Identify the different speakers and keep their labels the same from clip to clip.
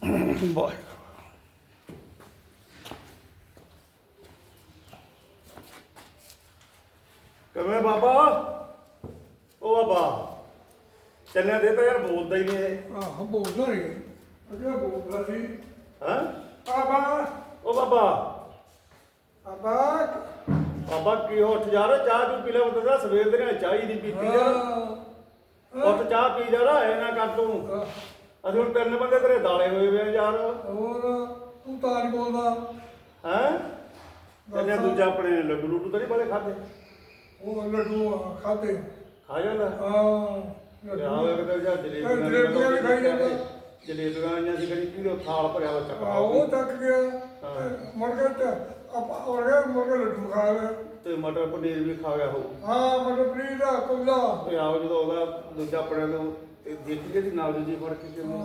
Speaker 1: ਵਾਹਿਗੁਰੂ। ਕਿਵੇਂ ਬਾਬਾ? ਉਹ ਬਾਬਾ ਚੱਲਿਆ ਦੇ ਤਾਂ ਯਾਰ ਬੋਲਦਾ ਹੀ ਨਹੀਂ ਇਹ।
Speaker 2: ਆਹ ਬੋਲਦਾ ਨਹੀਂ ਅੱਗੇ ਬੋਲਦਾ ਸੀ।
Speaker 1: ਹਾਂ
Speaker 2: ਆਬਾ
Speaker 1: ਉਹ ਬਾਬਾ
Speaker 2: ਆਬਾ
Speaker 1: ਬਾਬਾ ਕੀ ਉੱਠ ਜਾ ਰਿਹਾ, ਚਾਹ ਤੂੰ ਪੀ ਲੈ। ਉਹਦਾ ਸਵੇਰ ਦੇ ਨਾਲ ਚਾਹ ਹੀ ਨਹੀਂ ਪੀਤੀ ਯਾਰ। ਉੱਠ ਚਾਹ ਪੀ ਜਾ ਰਿਹਾ ਐ ਨਾ ਕਰ ਤੂੰ। ਅਸੀਂ ਹੁਣ ਤਿੰਨ ਬੰਦੇ ਤੇਰੇ ਦਾਲੇ ਹੋਏ ਵੇ ਆ ਯਾਰ।
Speaker 2: ਹੋਰ ਤੂੰ ਤਾਂ ਨਹੀਂ ਬੋਲਦਾ
Speaker 1: ਹੈਂ ਇਹਨੇ ਦੂਜਾ ਆਪਣੇ ਲੱਡੂ ਲੁੱਡੂ ਤਾਂ ਨਹੀਂ ਬਾਲੇ ਖਾਦੇ?
Speaker 2: ਉਹ ਲੱਡੂ ਖਾਦੇ
Speaker 1: ਖਾ ਜਾਂਦਾ
Speaker 2: ਜਲੇਬੀਆਂ
Speaker 1: ਜਲੇਬੀਆਂ
Speaker 2: ਵੀ ਖਾਈ ਜਾਂਦਾ।
Speaker 1: ਜਲੇਬੀਆਂ ਆਈਆਂ ਸੀ ਕਦੀ ਕਿਹਦੇ ਥਾਲ ਭਰਿਆ ਵਾ ਚੱਕਾ
Speaker 2: ਉਹ ਤੱਕ ਗਿਆ ਮੁਰਗੇ ਤੇ ਆਪਾਂ ਔਰ ਮੁਰਗੇ ਲੱਡੂ ਖਾ ਲਿਆ
Speaker 1: ਤੇ ਮਟਰ ਪਨੀਰ ਵੀ ਖਾ ਗਿਆ ਹੋ।
Speaker 2: ਹਾਂ ਮਟਰ ਪਨੀਰ ਦਾ ਕੁੱਲਾ
Speaker 1: ਤੇ ਆਓ ਜਦੋਂ ਉਹਦਾ ਦੂਜਾ ਆਪਣੇ ਤੋਂ ਦੇਖੀਏ ਦੀ ਨਾਲ ਜੀ ਫੜ ਕੇ ਕਿਵੇਂ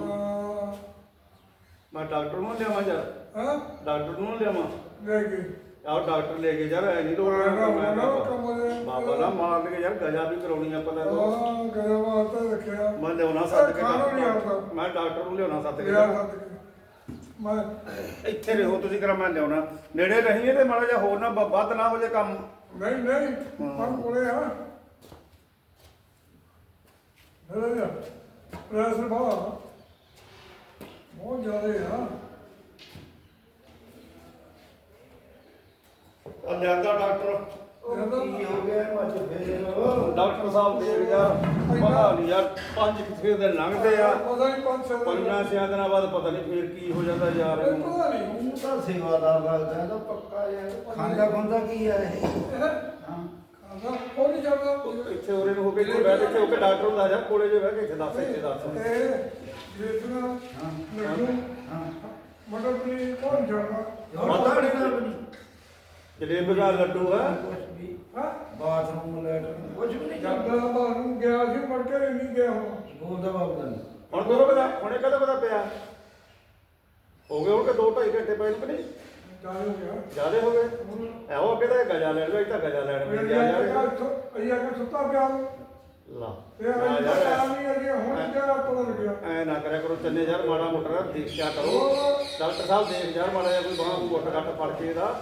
Speaker 1: ਮੈਂ ਡਾਕਟਰ ਨੂੰ ਲਿਆਵਾਂ ਯਾਰ।
Speaker 2: ਹਾਂ
Speaker 1: ਡਾਕਟਰ ਨੂੰ ਲਿਆਵਾਂ
Speaker 2: ਲੈ ਕੇ
Speaker 1: ਆਓ ਡਾਕਟਰ ਲੈ ਕੇ ਯਾਰ ਐ ਨਹੀਂ ਬਾਬਾ ਨਾ ਮਾਰ ਕੇ ਯਾਰ ਗਜਾ ਵੀ ਕਰਾਉਣੀ ਆ ਪਤਾ ਤੋ
Speaker 2: ਹਾਂ ਗਿਆ ਵਾਸਤੇ ਰੱਖਿਆ
Speaker 1: ਮੈਂ ਲਿਆਉਣਾ ਸੱਦ ਕੇ
Speaker 2: ਖਾਣੋ ਨਹੀਂ ਆਉਂਦਾ
Speaker 1: ਮੈਂ ਡਾਕਟਰ ਨੂੰ ਲਿਆਉਣਾ ਸੱਦ ਕੇ
Speaker 2: ਲਿਆ ਸੱਦ ਕੇ ਮੈਂ
Speaker 1: ਇੱਥੇ ਰਹੋ ਤੁਸੀਂ ਕਰਾ ਮੈਂ ਲਿਆਉਣਾ ਨੇੜੇ ਰਹੀਏ ਤੇ ਮਾੜਾ ਜਿਹਾ ਹੋਰ ਨਾ ਵੱਧ ਨਾ ਹੋ ਜੇ ਕੰਮ।
Speaker 2: ਨਹੀਂ ਨਹੀਂ ਪਰ ਕੋਲੇ ਆ ਲੈ ਪ੍ਰੈਸ਼ਰ ਬਹੁਤ ਜ਼ਿਆਦਾ ਆ
Speaker 1: ਲਿਆਂਦਾ ਡਾਕਟਰ
Speaker 2: ਕੀ
Speaker 1: ਹੋ ਗਿਆ ਮੱਝ ਫੇਰ ਡਾਕਟਰ ਸਾਹਿਬ ਦੇ ਯਾਰ ਪਤਾ ਨਹੀਂ ਯਾਰ 5-6 ਦਿਨ ਲੰਘਦੇ ਆ
Speaker 2: ਪਤਾ ਨਹੀਂ 5-6
Speaker 1: 5-6 ਦਿਨਾਂ ਬਾਅਦ ਪਤਾ ਨਹੀਂ ਫੇਰ ਕੀ ਹੋ ਜਾਂਦਾ ਯਾਰ ਇਹਨੂੰ।
Speaker 2: ਪਤਾ ਨਹੀਂ
Speaker 3: ਉਹ ਤਾਂ ਸੇਵਾਦਾਰ ਲੱਗਦਾ ਤਾਂ ਪੱਕਾ ਯਾਰ ਖਾਂਦਾ ਖੁੰਦਾ ਕੀ ਆ ਇਹ ਹਾਂ
Speaker 2: ਖਾਂਦਾ ਉਹ ਨਹੀਂ ਜਾਂਦਾ
Speaker 1: ਇੱਥੇ ਉਰੇ ਨੂੰ ਹੋ ਕੇ ਇੱਥੇ ਬੈਠ ਕੇ ਹੋ ਕੇ ਡਾਕਟਰ ਹੁੰਦਾ ਜਾ ਕੋਲੇ ਜੇ ਬਹਿ ਕੇ ਇੱਥੇ ਦੱਸ ਇੱਥੇ ਦੱਸ।
Speaker 2: ਇਹ ਦੇਖਣਾ ਲੱਡੂ
Speaker 3: ਹਾਂ
Speaker 2: ਮਟਰ ਪਨੀਰ ਕੌਣ ਜਾਂਦਾ
Speaker 1: ਪਤਾ ਨਹੀਂ ਨਾ ਜਲੇਬੀ ਦਾ ਲੱਡੂ ਹੈ
Speaker 3: ਕੁਛ ਵੀ
Speaker 2: ਹਾਂ
Speaker 3: ਬਾਥਰੂਮ ਲੈਟਰ ਕੁਝ ਵੀ ਨਹੀਂ
Speaker 2: ਜਾਂਦਾ ਬਾਹਰੋਂ ਗਿਆ ਸੀ ਮੁੜ ਕੇ ਨਹੀਂ ਗਿਆ ਹੁਣ
Speaker 3: ਬੋਲਦਾ ਬਾਬਾ ਨਹੀਂ
Speaker 1: ਹੁਣ ਕਦੋਂ ਪਤਾ ਹੁਣੇ ਕਦੋਂ ਪਤਾ ਪਿਆ ਹੋ ਗਏ ਹੋਣਗੇ 2-2.5 ਘੰਟੇ ਪਏ ਨੂੰ ਕਿ ਨਹੀਂ
Speaker 2: ਚਾਹ ਹੋ ਗਿਆ
Speaker 1: ਜ਼ਿਆਦੇ ਹੋ ਗਏ ਐਹੋ ਅੱਗੇ ਤਾਂ ਗਜਾ ਲੈਣ ਵੇ ਤਾਂ ਗਜਾ ਲੈਣ ਵੀ ਗਿਆ ਯਾਰ
Speaker 2: ਅਈਆ ਕੇ ਸੁੱਤਾ ਪਿਆ
Speaker 1: ਲਾ
Speaker 2: ਤੇ ਅਈਆ ਨਹੀਂ ਅਜੇ ਹੁਣ ਜਿਹੜਾ ਪਤਾ ਲੱਗਿਆ
Speaker 1: ਐ ਨਾ ਕਰਿਆ ਕਰੋ ਚੰਨੇ ਯਾਰ ਮਾੜਾ ਮੋਟਾ ਦੇਖਿਆ ਕਰੋ ਡਾਕਟਰ ਸਾਹਿਬ ਦੇਖ ਯਾਰ ਮਾੜਾ ਜਿਹਾ ਕੋਈ ਬਾਹਾਂ ਨੂੰ ਉੱਠ ਘੱਟ ਫੜ ਕੇ ਇਹਦਾ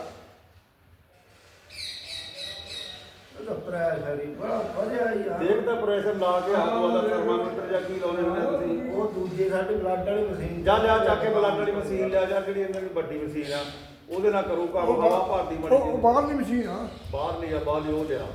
Speaker 3: ਉਹਦਾ ਪ੍ਰੈਸ਼ਰ ਹੀ ਬੜਾ ਵਧਿਆ ਯਾਰ
Speaker 1: ਦੇਖ ਤਾਂ ਪ੍ਰੈਸ਼ਰ ਲਾ ਕੇ ਹੱਥ ਵਾਲਾ ਥਰਮਾਮੀਟਰ ਜਾਂ ਕੀ ਲਾਉਣੇ ਹੁੰਦੇ ਤੁਸੀਂ
Speaker 3: ਉਹ ਦੂਜੇ ਸਾਡੇ ਬਲੱਡ ਵਾਲੀ ਮਸ਼ੀਨ
Speaker 1: ਜਾ ਲਿਆ ਚੱਕ ਕੇ ਬਲੱਡ ਵਾਲੀ ਮਸ਼ੀਨ ਲਿਆ ਜਾ ਜਿਹੜੀ ਇਹਨਾਂ ਦੀ ਵੱਡੀ ਮਸ਼ੀਨ ਆ ਉਹਦੇ ਨਾਲ ਕਰੂ ਕੰਮ ਹਵਾ ਭਰਦੀ ਬਣੀ
Speaker 2: ਉਹ ਬਾਹਰਲੀ ਮਸ਼ੀਨ ਆ
Speaker 1: ਬਾਹਰ ਲਈ ਆ ਬਾਹਰ ਉਹ ਲਿਆ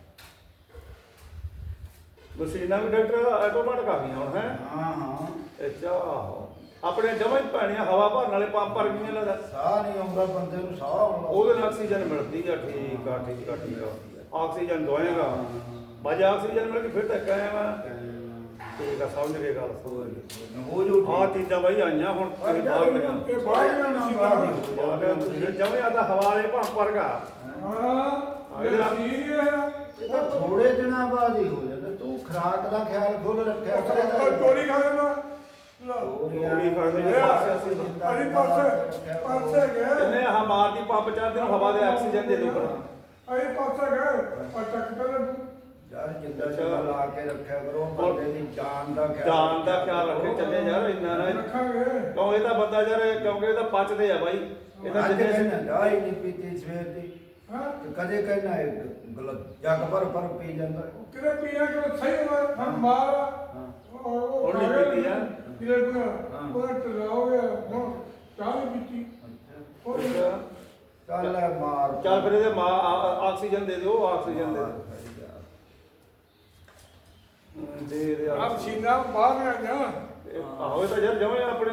Speaker 1: ਮਸ਼ੀਨਾਂ ਵੀ ਡਾਕਟਰ ਆਟੋਮੈਟਿਕ ਆ ਗਈਆਂ ਹੁਣ ਹੈ
Speaker 3: ਹਾਂ ਹਾਂ
Speaker 1: ਅੱਛਾ ਆਪਣੇ ਜਮਾਂ ਹੀ ਪੈਣੀਆਂ ਹਵਾ ਭਰਨ ਵਾਲੇ ਪੰਪ ਭਰ ਗਈਆਂ ਲੱਗਦਾ
Speaker 3: ਸਾਹ ਨਹੀਂ ਆਉਂਦਾ ਬੰਦੇ ਨੂੰ ਸਾਹ ਆਉਂਦਾ
Speaker 1: ਉਹਦੇ ਨਾਲ ਆਕਸੀਜਨ ਮਿਲਦੀ ਆ ਠੀਕ ਆ ਠੀਕ ਆ ਠੀਕ ਆ ਆਕਸੀਜਨ ਦਵਾਏਗਾ ਬਾਜ ਆਕਸੀਜਨ ਮਿਲ ਕੇ ਫਿਰ ਤੱਕ ਆਇਆ ਵਾ ਠੀਕ ਆ ਸਮਝ ਗਏ ਗੱਲ
Speaker 3: ਹੋ ਜੋ
Speaker 1: ਆਹ ਚੀਜ਼ਾਂ ਬਾਈ ਆਈਆਂ ਹੁਣ ਤੁਸੀਂ ਬਾਹਰ ਲਈਆਂ
Speaker 2: ਇਹ ਬਾਹਰਲੀ ਮਸ਼ੀਨ
Speaker 1: ਜਮੇ ਆਦਾ ਹਵਾ ਵਾਲੇ ਪੰਪ ਵਰਗਾ
Speaker 2: ਹਾਂ ਇਹ ਮਸ਼ੀਨ ਹੈ
Speaker 3: ਇਹ ਤਾਂ ਥੋੜੇ ਦਿਨਾਂ ਬਾਅਦ ਹੀ ਹੋ ਜਾਂਦਾ ਤੂੰ ਖੁਰਾਕ ਦਾ ਖਿਆਲ ਖੁੱਲ ਰੱਖਿਆ
Speaker 2: ਉਹ ਚੋਰੀ ਖਾ ਲੈਣਾ
Speaker 1: ਗੋਲੀ ਫੜਦੇ ਨੇ
Speaker 2: ਅਰੇ ਪਾਸੇ ਗਏ
Speaker 1: ਇਹਨੇ ਆਹ ਮਾਰਦੀ ਪੰਪ ਚਾਹਦੇ ਨੂੰ ਹਵਾ ਦੇ ਆਕਸੀਜਨ ਦੇ ਦੋ ਪਰ
Speaker 2: ਅਰੇ ਪਾਸੇ ਗਏ ਆ ਚੱਕ ਪਹਿਲੇ
Speaker 3: ਯਾਰ ਜਿੰਦਾ ਚਲਾ ਲਾ ਕੇ ਰੱਖਿਆ ਕਰੋ ਬੰਦੇ ਦੀ ਜਾਨ ਦਾ ਖਿਆਲ
Speaker 1: ਜਾਨ ਦਾ ਖਿਆਲ ਰੱਖੇ ਚੱਲੇ ਯਾਰ ਇੰਨਾ ਨਾ
Speaker 2: ਰੱਖਾਂਗੇ
Speaker 1: ਕਿਉਂ ਇਹ ਤਾਂ ਬੰਦਾ ਯਾਰ ਕਿਉਂਕਿ ਇਹ ਤਾਂ ਪਚਦੇ ਆ ਬਾਈ ਇਹ ਤਾਂ
Speaker 3: ਅੱਜ
Speaker 1: ਜਿੰਨੇ
Speaker 3: ਕਹਿੰਦਾ ਚਾਹ ਹੀ ਨਹੀਂ ਪੀਤੀ ਸਵੇਰ ਦੀ
Speaker 2: ਹਾਂ
Speaker 3: ਤੇ ਕਦੇ ਕਹਿੰਦਾ ਗਲਤ ਜੱਗ ਪਰ ਪੀ ਜਾਂਦਾ
Speaker 2: ਕਿਹੜੇ ਪੀਣਾ ਕਿ ਸਹੀ ਹੋਣਾ ਹਮ ਮਾਰ
Speaker 3: ਹਾਂ
Speaker 2: ਉਹ
Speaker 1: ਨਹੀਂ ਪੀਤੀ ਆ
Speaker 2: ਕਿਹੜੇ ਪੀਣਾ ਉਹ ਟਲਾਓਗੇ ਹੁਣ ਚਾਹ ਨਹੀਂ ਪੀਤੀ ਉਹ
Speaker 3: ਚੱਲ ਲੈ ਮਾਰ
Speaker 1: ਚੱਲ ਫਿਰ ਇਹਦੇ ਆਕਸੀਜਨ ਦੇ ਦਿਓ ਆਕਸੀਜਨ ਦੇ ਦੇ
Speaker 2: ਆਪ ਸੀਨਾ ਬਾਹਰ ਆ ਗਿਆ
Speaker 1: ਆਹੋ ਇਹ ਤਾਂ ਯਾਰ ਜਮੇ ਆਪਣੇ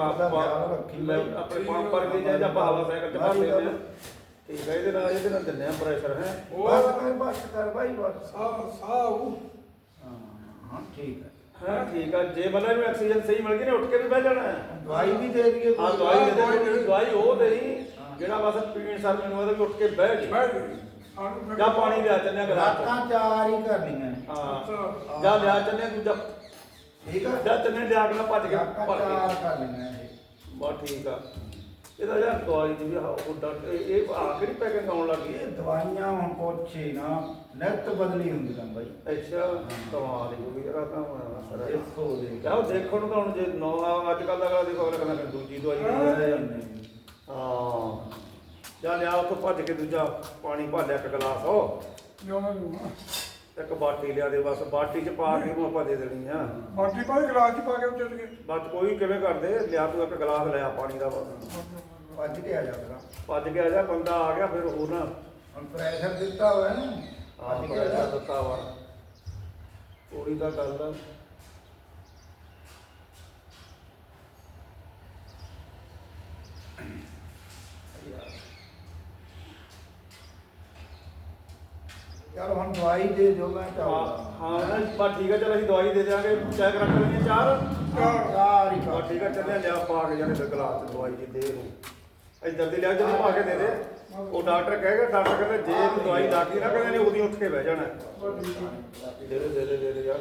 Speaker 1: ਆਪਣੇ ਪੰਪ ਪਰ ਕੇ ਜਾਂ ਹਵਾ ਸਾਈਕਲ ਚ ਭਰ ਲੈਂਦੇ ਆ ਠੀਕ ਹੈ ਇਹਦੇ ਨਾਲ ਦਿੰਦੇ ਆ ਪ੍ਰੈਸ਼ਰ ਹੈ
Speaker 3: ਬਸ ਕਰ ਭਾਈ ਬਸ
Speaker 2: ਸਾਹ
Speaker 3: ਹਾਂ ਠੀਕ ਹੈ
Speaker 1: ਹਾਂ ਠੀਕ ਆ ਜੇ ਮਤਲਬ ਇਹਨੂੰ ਆਕਸੀਜਨ ਸਹੀ ਮਿਲ ਗਈ ਨੇ ਉੱਠ ਕੇ ਵੀ ਬਹਿ ਜਾਣਾ ਹੈ
Speaker 3: ਦਵਾਈ ਵੀ ਦੇ ਦਈਏ
Speaker 1: ਹਾਂ ਦਵਾਈ ਦੇ ਦੇ ਜਿਹੜੀ ਦਵਾਈ ਉਹ ਦੇਈ ਜਿਹੜਾ ਬਸ ਪੀਣ ਸਰ ਮੈਨੂੰ ਉਹਦਾ ਵੀ ਉੱਠ ਕੇ ਬਹਿ ਜੀ ਜਾਂ ਪਾਣੀ ਲਿਆ ਚੰਨਿਆ ਗਲਾਸ
Speaker 3: ਰਾਤਾਂ ਚਾਰ ਹੀ ਕਰਨੀਆਂ
Speaker 1: ਹਾਂ ਜਾਂ ਲਿਆ ਚੰਨਿਆ ਦੂਜਾ
Speaker 3: ਠੀਕ ਆ
Speaker 1: ਜਾਂ ਚੰਨੇ ਲਿਆ ਕੇ ਨਾ ਭੱਜ ਕੇ
Speaker 3: ਰਾਤਾਂ
Speaker 1: ਭਰ
Speaker 3: ਚਾਰ
Speaker 1: ਕੇ
Speaker 3: ਕਰਨੀਆਂ ਇਹ
Speaker 1: ਬਸ ਠੀਕ ਆ ਇਹਦਾ ਯਾਰ ਦਵਾਈ ਦੀ ਵੀ ਉਹ ਡਾਕਟਰ ਇਹ ਆ ਕਿਹੜੀ ਪੈਕਿੰਗ ਆਉਣ ਲੱਗੀ
Speaker 3: ਇਹ ਦਵਾਈਆਂ ਹੁਣ ਪੁੱਛੇ ਨਾ ਨਿੱਤ ਬਦਲੀ ਹੁੰਦੀਆਂ ਬਾਈ।
Speaker 1: ਅੱਛਾ ਕਮਾਲ ਹੀ ਹੋ ਗਈ ਯਾਰ ਤਾਂ ਸਰ
Speaker 3: ਦੇਖੋ ਦੇ
Speaker 1: ਆਹ ਦੇਖਣ ਨੂੰ ਤਾਂ ਹੁਣ ਜੇ ਨੌ ਅੱਜ ਕੱਲ੍ਹ ਦਾ ਅਗਲਾ ਦੇਖੋ ਅਗਲਾ ਕਹਿੰਦਾ ਦੂਜੀ ਦਵਾਈ ਦੇ ਹਾਂ ਚੱਲ ਆ ਉੱਥੋਂ ਭੱਜ ਕੇ ਦੂਜਾ ਪਾਣੀ ਭਰ ਲਿਆ ਇੱਕ ਗਲਾਸ ਉਹ
Speaker 2: ਲਿਆਉਣਾ ਲਿਆਉਣਾ
Speaker 1: ਇੱਕ ਬਾਟੀ ਲਿਆ ਦੇ ਬਸ ਬਾਟੀ 'ਚ ਪਾ ਕੇ ਉਹਨੂੰ ਆਪਾਂ ਦੇ ਦੇਣੀ ਆ
Speaker 2: ਬਾਕੀ ਭਾਈ ਗਲਾਸ ਚ ਪਾ ਕੇ ਉੱਤੇ ਗਏ
Speaker 1: ਬਸ ਕੋਈ ਕਿਵੇਂ ਕਰਦੇ ਲਿਆ ਤੂੰ ਇੱਕ ਗਲਾਸ ਲਿਆ ਪਾਣੀ ਦਾ ਬਸ
Speaker 3: ਭੱਜ ਕੇ ਆ ਜਾਗਾ।
Speaker 1: ਭੱਜ ਕੇ ਆ ਜਾ ਬੰਦਾ ਆ ਗਿਆ ਫਿਰ ਹੋਰ ਨਾ
Speaker 3: ਹੁਣ ਪ੍ਰੈਸ਼ਰ ਦਿੱਤਾ ਹੋਇਆ ਨਾ
Speaker 1: ਹਾਂ
Speaker 3: ਭੱਜ ਕੇ ਆ ਜਾ।
Speaker 1: ਦਿੱਤਾ ਵਾ ਥੋੜੀ ਦਾ ਗੱਲ ਆ
Speaker 3: ਚਲ ਹੁਣ ਦਵਾਈ ਦੇ ਦਿਓ ਮੈਂ
Speaker 1: ਹਾਂ
Speaker 3: ਚਾਹ
Speaker 1: ਹਾਂ ਬਸ ਠੀਕ ਹੈ ਚਲ ਅਸੀਂ ਦਵਾਈ ਦੇ ਦਿਆਂਗੇ ਚੈੱਕ ਰੱਖ ਲੈਣੀ ਚਾਰ
Speaker 3: ਚਾਰ ਹੀ
Speaker 1: ਬਸ ਠੀਕ ਹੈ ਚੱਲਿਆ ਲਿਆ ਪਾ ਕੇ ਜਾਣੇ ਗਲਾਸ ਚ ਦਵਾਈ ਦੀ ਦੇ ਨੂੰ ਇੱਧਰ ਦੀ ਲਿਆ ਜਦੋਂ ਪਾ ਕੇ ਦੇ ਦੇ ਉਹ ਡਾਕਟਰ ਕਹੇਗਾ ਡਾਕਟਰ ਕਹਿੰਦਾ ਜੇ ਤੂੰ ਦਵਾਈ ਲਾਤੀ ਨਾ ਕਹਿੰਦੇ ਨੇ ਉਹਦੀ ਉੱਠ ਕੇ ਬਹਿ ਜਾਣਾ ਦੇ ਦੇ ਯਾਰ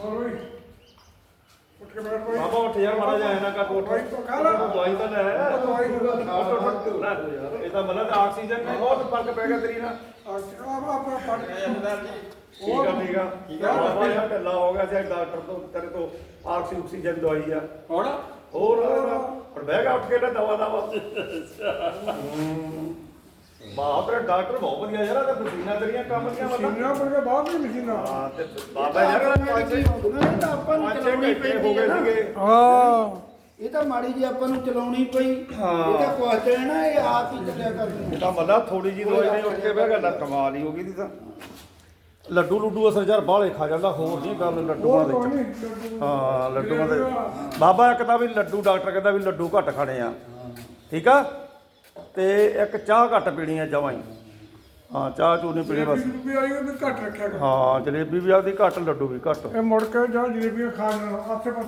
Speaker 2: ਉੱਠ ਕੇ ਬੈਠ ਭਾਈ
Speaker 1: ਬਾਬਾ ਉੱਠ ਯਾਰ ਮਾੜਾ ਜਿਹਾ ਨਾ ਕਰ ਉੱਠ ਦਵਾਈ ਤਾਂ ਲੈ
Speaker 2: ਦਵਾਈ ਨੂੰ
Speaker 1: ਇਹ ਤਾਂ ਮਤਲਬ ਆਕਸੀਜਨ ਨਾਲ ਬਹੁਤ ਫਰਕ ਪੈ ਗਿਆ ਤੇਰੀ ਨਾਲ
Speaker 2: ਆਪਣਾ ਪੜ
Speaker 1: ਠੀਕ ਆ ਬਾਬਾ ਯਾਰ ਢਿੱਲਾ ਹੋ ਗਿਆ ਸੀ ਡਾਕਟਰ ਤੋਂ ਤੇਰੇ ਤੋਂ ਆਕਸੀਜਨ ਦਵਾਈ ਆ
Speaker 2: ਹੁਣ
Speaker 1: ਹੋਰ ਹੁਣ ਬਹਿ ਗਿਆ ਉੱਠ ਕੇ ਨਾ ਦਵਾ ਬਾਪ ਰੇ ਡਾਕਟਰ ਬਹੁਤ ਵਧੀਆ ਯਾਰ ਤੇ ਮਸ਼ੀਨਾਂ ਤੇਰੀਆਂ ਕੰਮ ਦੀਆਂ ਮਤਲਬ
Speaker 2: ਮਸ਼ੀਨਾਂ ਪਰ ਕੇ ਬਾਅਦ ਵੀ ਮਸ਼ੀਨਾਂ
Speaker 1: ਹਾਂ ਤੇ ਬਾਬਾ ਯਾਰ
Speaker 3: ਇਹ ਤਾਂ ਆਪਾਂ ਨੂੰ ਚਲਾਉਣੀ
Speaker 1: ਹੋ ਗਏ
Speaker 3: ਪੈਂਦੀ
Speaker 1: ਸੀਗੇ
Speaker 2: ਹਾਂ
Speaker 3: ਇਹ ਤਾਂ ਮਾੜੀ ਜੀ ਆਪਾਂ ਨੂੰ ਚਲਾਉਣੀ ਪਈ
Speaker 1: ਹਾਂ।
Speaker 3: ਇਹ ਤਾਂ ਕੁਐਸਚਨ ਹੈ ਨਾ ਇਹ ਆਪ ਹੀ ਚੱਲਿਆ ਕਰਨੀ
Speaker 1: ਇਹ ਤਾਂ ਮਤਲਬ ਥੋੜੀ ਜਿਹੀ ਦਵਾਈ ਨਹੀਂ ਉੱਠ ਕੇ ਬਹਿ ਗਿਆ ਨਾ ਕਮਾਲ ਹੀ ਹੋ ਗਈ ਦੀ ਤਾਂ ਲੱਡੂ ਲੁੱਡੂ ਅਸਰ ਯਾਰ ਬਾਹਲੇ ਖਾ ਜਾਂਦਾ ਹੋਰ ਨਹੀਂ ਗੱਲ ਲੱਡੂਆਂ
Speaker 2: ਉਹ ਕੋਈ
Speaker 1: ਦੇ
Speaker 2: ਨਹੀਂ
Speaker 1: ਹਾਂ ਲੱਡੂਆਂ ਦੇ ਬਾਬਾ ਇੱਕ ਤਾਂ ਵੀ ਲੱਡੂ ਡਾਕਟਰ ਕਹਿੰਦਾ ਵੀ ਲੱਡੂ ਘੱਟ ਖਾਣੇ ਆ ਠੀਕ ਆ ਤੇ ਇੱਕ ਚਾਹ ਘੱਟ ਪੀਣੀ ਆ ਜਮਾਂ ਹੀ ਹਾਂ ਚਾਹ ਚੂਹ ਨਹੀਂ ਪੀਣੀ ਬਸ
Speaker 2: ਜਲੇਬੀ ਆਈ ਉਹ ਘੱਟ ਰੱਖਿਆ ਕਰ
Speaker 1: ਹਾਂ ਜਲੇਬੀ ਵੀ ਆਪਦੀ ਘੱਟ ਲੱਡੂ ਵੀ ਘੱਟ
Speaker 2: ਇਹ ਮੁੜ ਕੇ ਜਾਂ ਜਲੇਬੀਆਂ ਖਾਣ ਨਾਲ ਆਸੇ